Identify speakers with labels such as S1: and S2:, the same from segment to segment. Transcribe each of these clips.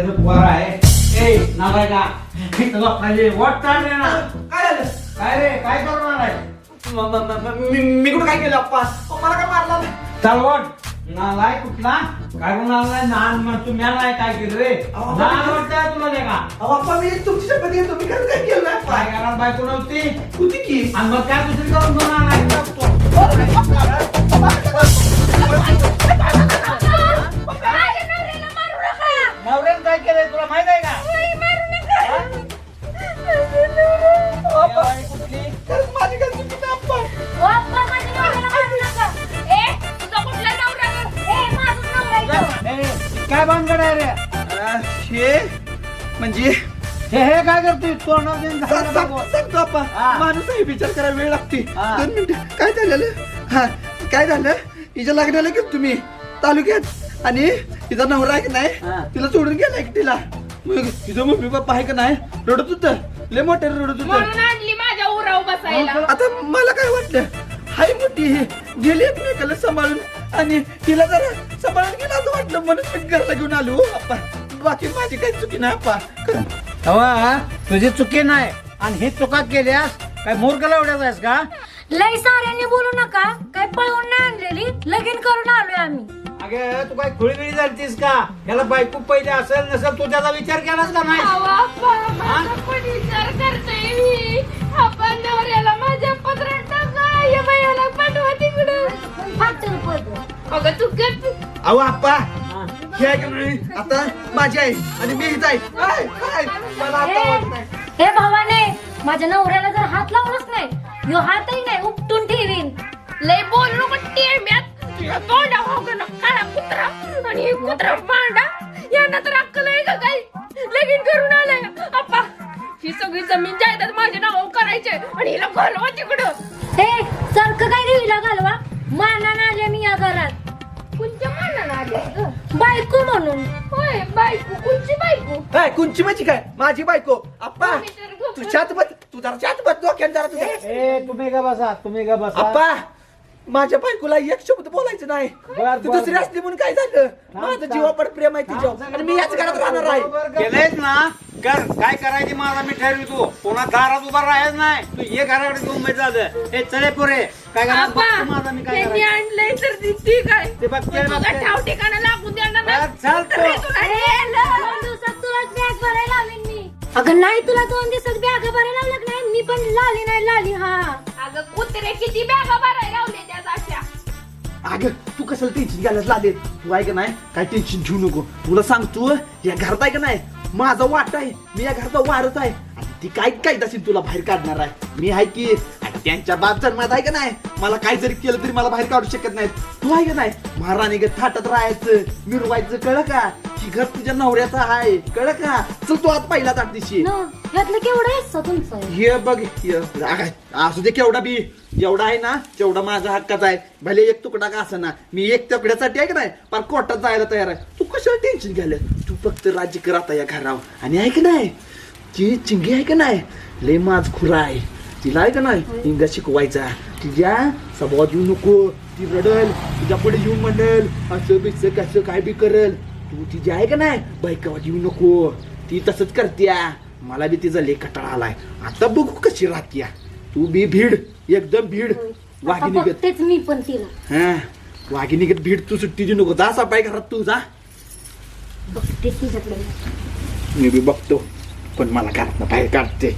S1: नवऱ्याचं पोर आहे ए नावाय का तुला पाहिजे वाट चालले ना
S2: काय झालं?
S1: काय रे काय करणार आहे
S2: मी कुठं काय केलं अप्पा? मला काय मारला नाही.
S1: चाल वाट नालाय कुठला काय म्हणालाय नान म्हणतो म्यालाय काय केलं रे नान वाटतंय तुला नाही का
S2: अहो अप्पा मी तुमची शपथ घेतो तुम्ही खरं काय केलं नाही अप्पा.
S1: काय करणार बायको नव्हती
S2: होती की
S1: आणि मग काय दुसरी करून घेऊन आलाय नवऱ्यानं काय केलंय तुला माहित आहे का बाई कुठली
S2: खरंच माझी काय चुकी नाही अप्पा.
S1: काय भानगड आहे रे
S2: हे म्हणजे
S1: हे काय करते तोंडात
S2: सांगतो अप्पा.
S1: हा.
S2: माणूस आहे विचार करायला वेळ लागते
S1: हा.
S2: 2 मिनिटं. काय झालेलं हा काय झालं हिच्या लग्नाला गेलो तुम्ही तालुक्यात आणि तिचा नवरा आहे की नाही
S1: हा.
S2: तिला सोडून गेला एकटीला मग तिचं मम्मी पप्पा आहे का नाही रडत होतं लय मोठ्या रडत
S3: म्हणून
S2: होतं
S3: आणली माझ्या उराव बसायला.
S2: आता मला काय वाटलं हाय मोठी ही गेली एकमेकाला सांभाळून आणि तिला जरा सांभाळून गेला असं वाटलं म्हणून मी घरला घेऊन आलो हो, अप्पा बाकी माझी काही चुकी नाही अप्पा
S1: हवा तुझी चुकी नाही आणि ही चुका केल्यास काय मूर्खला एवढ्याच आहेस का
S4: लय साऱ्यांनी बोलू नका काय पळवून नाही आणलेली लगीन करून आलोय आम्ही.
S1: अगे तू काय खुळीबिळी झालतीस का याला बायको पहिले असेल नसेल तू त्याचा विचार केलास का नाही
S3: अहो, अप्पा, माझा पण विचार करते मी. आपण नवऱ्याला माझ्या पत्रात टाका या बायाला पाठवा तिकडं.
S4: फाटल पद.
S3: अगं तू गप.
S2: अहो अप्पा हे आहे का नाही आता माझी आई आणि मी हिच आहे आय, आय, मला आता वाटत नाही.
S4: हे भावाने माझ्या नवऱ्याला जर हात लावलाच नाही यो हातही नाही उपटून ठेवीन.
S3: लय बोल नको टेम्यात. तुझ्या तोंडा होगं काळा कुत्रा आणि हे कुत्रा पांडा यांना तर अक्कल आहे का काही लगीन करून आलाय. अप्पा ही सगळी जमीन जायदाद माझ्या नावावर करायचे आणि हिला घालवा तिकडं.
S4: हे सारखं काय देवीला घालवा मानानं आले मी या घरात
S3: कोणत्या मानानं आले ग?
S4: बायको म्हणून.
S3: होय बायको कोणची बायको?
S2: काय कुंची माझी काय माझी बायको अप्पा
S3: मी तर गप्प-
S2: तू छात बस तू जरा छात बस डोक्यात जरा तुझ्या
S1: ए तुम्ही का बसा तुम्ही का बसा
S2: अप्पा माझ्या बायकोला एक शब्द बोलायचं नाही
S1: बर,
S2: ती
S1: बर,
S2: दुसरी
S1: बर.
S2: असली म्हणून काय झालं माझं जीवापड प्रेम आहे तिच्यावर आणि मी याच घरात राहणार आहे
S1: केलंयस ना कर काय करायची माझा मी ठरवितो पुन्हा दारात उभा राहायच नाही तू ये घराकडे घेऊन माहिती झालं हे चले पुरे काय करणार
S3: अप्पा,
S1: बघतो माझा मी काय
S3: त्यांनी
S1: करायचं.
S3: आणलंय तर ती ठीक आहे.
S1: ते बघते,
S3: पण तुझं
S1: बघते.
S3: ठाव ठिकाणं लागून देणार नाही.
S1: बरं, चल तू.
S3: तर हे तुला नेलं.
S4: 2 दिवसात तुलाच बॅग भरायला लावीन मी. अगं नाही तुला 2 दिवसात बॅग भरायला लावलं नाही मी पण लाली नाही लाली हा.
S3: अगं कुत्रे किती बॅगा भरायला लावले त्या सारख्या.
S2: अगं तू कशाला टेन्शन घ्यायला लागले तू आहे का नाही काय टेन्शन घेऊ नको तुला सांगतो या घरात आहे का नाही माझा वाट आहे मी या घराचा वारच आहे आणि ती काय काय असेल तुला बाहेर काढणार आहे मी आहे की आणि त्यांच्या बाप जन्मात आहे का नाही मला काय जरी केलं तरी मला बाहेर काढू शकत नाही तू आहे का नाही महाराणी थाटात राहायचं मिरवायचं कळ का ही घर तुझ्या नवऱ्याचं आहे कळ का चल तू आज पहिला ताट दिशी
S4: न, ह्यातलं केवढं आहे स तुमचं.
S2: हे बघ हे असू दे केवढा बी जेवढा आहे ना तेवढा माझा हक्काचा आहे भले एक तुकडा का असं ना मी एक तुकड्यासाठी आहे का नाही पण कोर्टात जायला तयार आहे तू कशाला टेन्शन घ्यायला तू फक्त राज्य कर आता या घरावर आणि आहे का नाही ती चिंगी आहे का नाही लय माझ खुरा आहे तिला आहे का नाही इंगा शिकवायचा तिच्या स्वभावात येऊ नको ती रडल तुझ्या पुढे येऊन म्हणेल असं बिस कसं काय बी करेल तू तिची आहे का नाही बायकावात येऊ नको ती तसंच करत्या मला बी तिचा लय कटाळा आलाय आता बघू कशी राहत्या तू बी भीड एकदम भीड
S4: आता
S2: वाघिणीगत
S4: बघतेच मी पण तिला
S2: हा वाघिणीगत भीड तू सुट्टी देऊ नको जा सापाय घरात तू जा
S4: बघतेच तिच्याकडे.
S2: मी बी बघतो पण मला घरात बाहेर काढते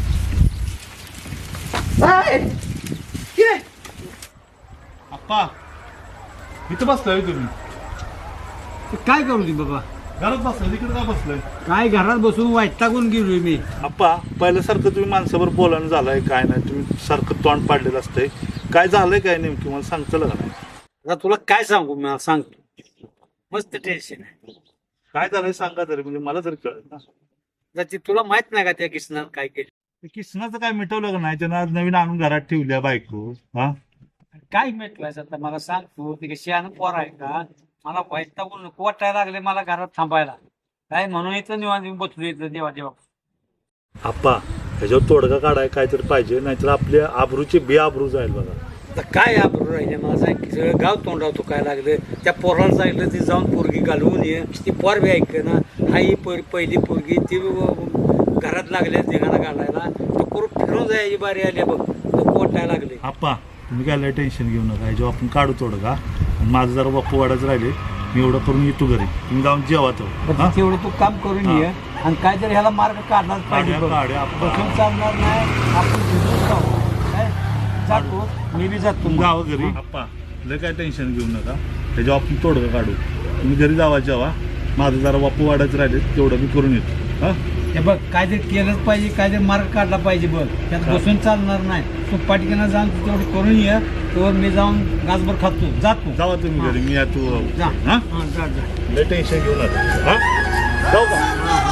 S5: अप्पा इथं बसलाय तुम्ही
S1: काय करू ती बाबा
S5: घरात बसलाय तिकडे का बसलाय
S1: काय घरात बसून वैतागून गेलोय मी
S5: अप्पा पहिल्यासारखं तुम्ही माणसावर बोलायला झालाय काय नाही तुम्ही सारखं तोंड पाडलेलं असतंय काय झालंय काय नेमकी मला सांगतं का नाही
S1: आता तुला काय सांगू मला सांगतो मस्त टेन्शन आहे
S5: काय झालंय सांगा तरी म्हणजे मला तरी कळत ना
S1: आता ती तुला माहित नाही का त्या किसनात काय केलं
S5: ते किसनाचं काय मिटवलं का नाही त्यानं आज नवीन आणून घरात ठेवल्या बायको हा
S1: काय मिटवायचं आता मला सांग तू ती कशी आणून पोर आहे का मला वैतागून नको वाटायला लागले मला घरात थांबायला काय म्हणून इथं निवांत येऊन बसलो इथं देवा देवा
S5: अप्पा ह्याच्यावर तोडगा काढाय काहीतरी पाहिजे नाहीतर आपल्या आबरूची बेआबरू जाईल बघा
S1: आता काय आबरू राहिले मला सांग की सगळं गाव तोंडावतो काय लागलं त्या पोराला सांगितलं ती जाऊन पोरगी घालवून ये ती पोर बी ऐक ना आई पहिली पोरगी ती घरात लागल्या धिंगाणा घालायला तो करून फिरून जायची बारी आली बघ तो पोटायला लागले.
S5: आप्पा तुम्ही काय लय टेन्शन घेऊ नका जेव्हा आपण काढू थोडं का आणि माझं जरा बाप्पू वाढायचं राहिले मी एवढं करून येतो घरी तुम्ही जाऊन जेवा तो
S1: पण तेवढं तू काम करून ये आणि काय तरी ह्याला मार्ग काढलाच पाहिजे बघ. बसून चालणार नाही आपण भिजून जाऊ काय जातो मी बी जातो
S5: तुम्ही जावं घरी आप्पा लय काय टेन्शन घेऊ नका त्याच्यावर आपण तोडगं काढू तुम्ही घरी जावा जेवा माझं जरा बाप्पू वाढायचं राहिले तेवढं मी करून येतो हा
S1: हे बघ काहीतरी केलंच पाहिजे काहीतरी मार्ग काढला पाहिजे बघ त्यात बसून चालणार नाही तू पाटकीनं जाऊन तू तेवढं करून ये तेव्हा मी जाऊन गाजभर खातो जातो.
S5: जावा तुम्ही घरी मी तू
S1: जा
S5: हा
S1: हां जा जा.
S5: लय टेन्शन घेऊ नका हा जाऊ का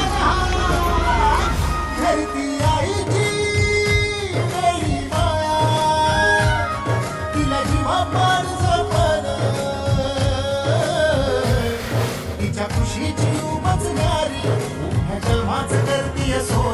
S6: धरती आईची मेरी माया तिला जीवा पाड जपण तिच्या खुशीची उमजणारी ह्या जन्माच करतीये सो